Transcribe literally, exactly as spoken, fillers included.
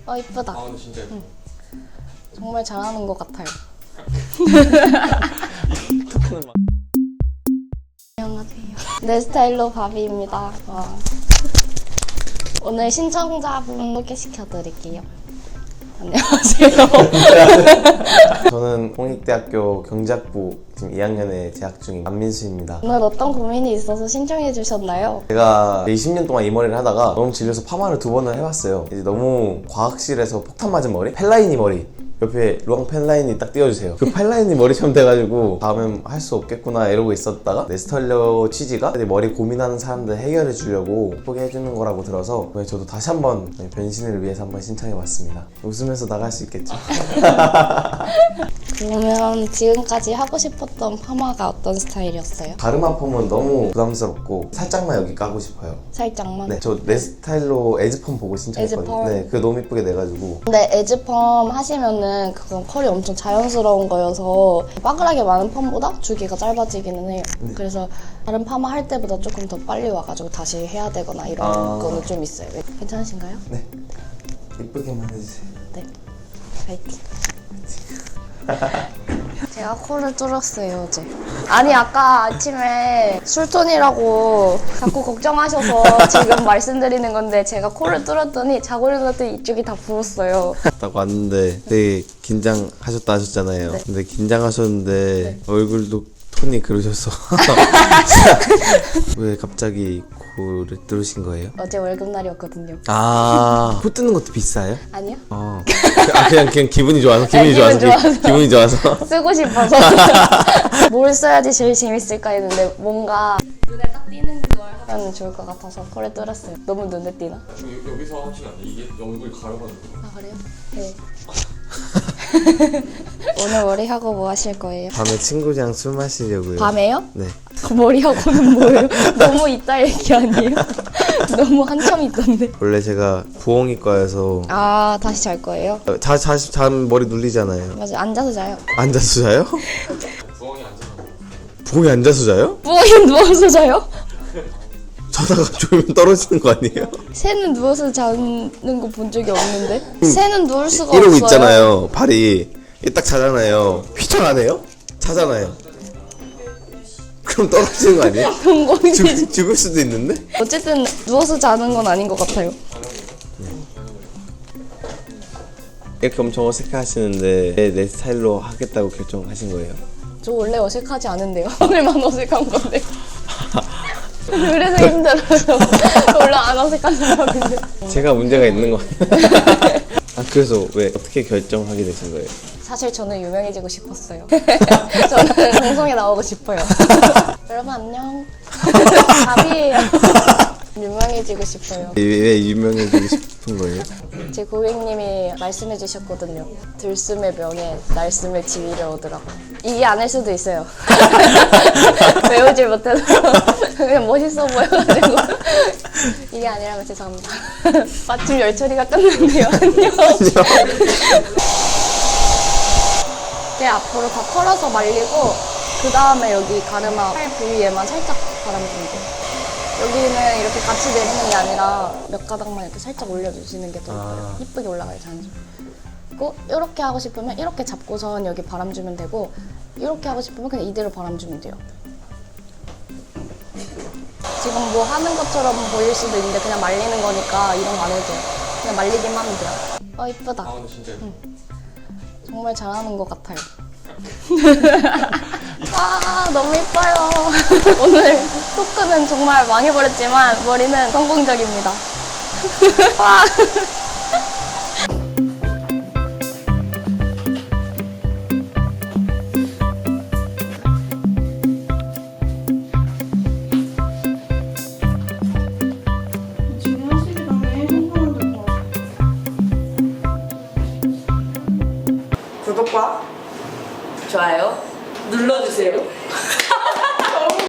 어 이쁘다. 아 근데 진짜 예뻐. 응. 정말 잘하는 것 같아요. 안녕하세요. 내 스타일로 바비입니다. 와. 오늘 신청자분 소개시켜드릴게요. 안녕하세요. 저는 홍익대학교 경제학부 지금 이 학년에 재학 중인 안민수입니다. 오늘 어떤 고민이 있어서 신청해 주셨나요? 제가 이십 년 동안 이 머리를 하다가 너무 질려서 파마를 두 번을 해봤어요. 이제 너무 과학실에서 폭탄 맞은 머리? 펠라이니 머리. 옆에 루앙 펜라인이 딱 띄워주세요. 그 펜라인이 머리처럼 돼가지고 다음엔 할 수 없겠구나 이러고 있었다가 네스털러 취지가 머리 고민하는 사람들 해결해 주려고 예쁘게 해주는 거라고 들어서 저도 다시 한번 변신을 위해서 한번 신청해봤습니다. 웃으면서 나갈 수 있겠죠? 그러면 지금까지 하고 싶었던 파마가 어떤 스타일이었어요? 가르마 펌은 너무 부담스럽고 살짝만 여기 까고 싶어요. 살짝만? 네, 저 내 스타일로 에즈펌 보고 신청했거든요. 에즈펌? 네, 그거 너무 이쁘게 내가지고. 근데 에즈펌 하시면은 그건 컬이 엄청 자연스러운 거여서 빠글하게 많은 펌보다 주기가 짧아지기는 해요. 네. 그래서 다른 파마 할 때보다 조금 더 빨리 와가지고 다시 해야 되거나 이런 아. 거는 좀 있어요. 괜찮으신가요? 네, 이쁘게만 해주세요. 네. 파이팅. 제가 코를 뚫었어요 어제. 아니 아까 아침에 술톤이라고 자꾸 걱정하셔서 지금 말씀드리는 건데 제가 코를 뚫었더니 자고 일어났더니 이쪽이 다 부었어요. 딱 왔는데 되게 긴장하셨다 하셨잖아요. 네. 근데 긴장하셨는데 얼굴도 톤이 그러셔서 왜 갑자기 코를 뚫으신 거예요? 어제 월급날이었거든요. 아, 코 뚫는 것도 비싸요? 아니요? 어. 아, 그냥 그냥 기분이 좋아서 기분이 네, 좋아서, 기분 좋아서. 기, 기분이 좋아서. 쓰고 싶어서 뭘 써야지 제일 재밌을까 했는데 뭔가 눈에 딱 띄는 걸 하면 좋을 것 같아서 코를 뚫었어요. 너무 눈에 띄나? 여- 여기서 하시면 안 돼. 이게 얼굴 가려가지고. 아 그래요? 네. 오늘 머리 하고 뭐 하실 거예요? 밤에 친구랑 술 마시려고요. 밤에요? 네. 머리 하고는 뭐예요? 너무 이따 얘기 아니에요? 너무 한참 있던데. 원래 제가 부엉이과여서 아 다시 잘 거예요? 자, 자, 잠 머리 눌리잖아요. 맞아 앉아서 자요. 앉아서 자요? 부엉이 앉아서. 부엉이 앉아서 자요? 부엉이 누워서 자요? 자다가 졸면 떨어지는 거 아니에요? 새는 누워서 자는 거 본 적이 없는데? 새는 누울 수가 이러고 없어요. 있잖아요. 발이 이게 딱 자잖아요. 휘청 안 해요? 자잖아요. 그럼 떨어지는 거 아니에요? 동공이 죽, 죽을 수도 있는데? 어쨌든 누워서 자는 건 아닌 것 같아요. 이렇게 엄청 어색해 하시는데 내, 내 스타일로 하겠다고 결정하신 거예요? 저 원래 어색하지 않은데요. 오늘만 어색한 건데. 그래서 힘들어서 원래 안 어색한 사람인데. 제가 문제가 있는 거 같아요. 아, 그래서 왜 어떻게 결정하게 되신 거예요? 사실 저는 유명해지고 싶었어요. 저는 방송에 나오고 싶어요. 여러분 안녕. 바비예요. 유명해지고 싶어요. 왜, 왜 유명해지고 싶은 거예요? 제 고객님이 말씀해 주셨거든요. 들숨의 명예, 날숨의 지위를 얻으라고. 이게 아닐 수도 있어요. 외우질 못해서 그냥 멋있어 보여가지고 이게 아니라면 죄송합니다. 마침 열처리가 끝났네요. 안녕. 이제 앞으로 다 털어서 말리고 그 다음에 여기 가르마 팔 부위에만 살짝 바람주면 돼요. 여기는 이렇게 같이 내리는 게 아니라 몇 가닥만 이렇게 살짝 올려주시는 게 더 아. 이쁘게 올라가요, 자연스럽게. 그리고 이렇게 하고 싶으면 이렇게 잡고선 여기 바람 주면 되고 이렇게 하고 싶으면 그냥 이대로 바람 주면 돼요. 지금 뭐 하는 것처럼 보일 수도 있는데 그냥 말리는 거니까 이런 거 안 해도 돼요. 그냥 말리기만 하면 돼요. 어, 이쁘다. 아 근데 진짜 예뻐. 정말 잘하는 것 같아요. 아 너무 예뻐요. 오늘 토크는 정말 망해버렸지만 머리는 성공적입니다. 와. 구독과 좋아요 눌러주세요.